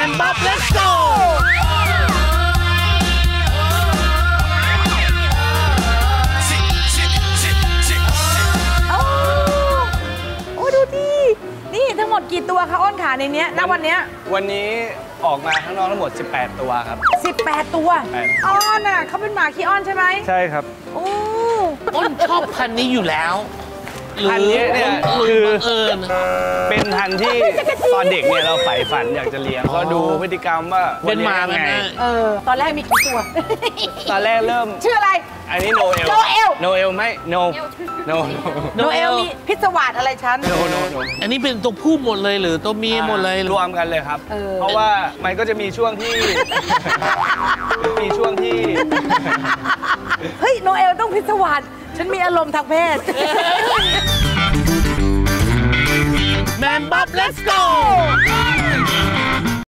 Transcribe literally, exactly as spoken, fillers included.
นบ๊อบ let's go โอ้ดูดินี่ทั้งหมดกี่ตัวคะอ้นขาในเนี้ยณวันเนี้ยวันนี้ออกมาข้างนอกทั้งหมดสิบแปดตัวครับสิบแปดตัวอ้อนอ่ะเขาเป็นหมาขี้อ้อนใช่ไหมใช่ครับโอ้อ้นชอบพันธุ์นี้อยู่แล้วพันธุ์นี้เนี่ยคือเป็นพันธุ์ที่ตอนเด็กเนี่ยเราใฝ่ฝันอยากจะเลี้ยงก็ดูพฤติกรรมว่าเป็นหมาไงเออตอนแรกมีกี่ตัวตอนแรกเริ่มชื่ออะไรอันนี้โนเอลโนเอลโนเอลไม่โนโนโนเอลมีพิศวาสอะไรชั้นโนโนโนอันนี้เป็นตัวผู้หมดเลยหรือตัวเมียหมดเลยรวมกันเลยครับเพราะว่ามันก็จะมีช่วงที่มีช่วงที่เฮ้ยโนเอลต้องพิศวาสฉันมีอารมณ์ทางเพศแมนบ๊อบ let's go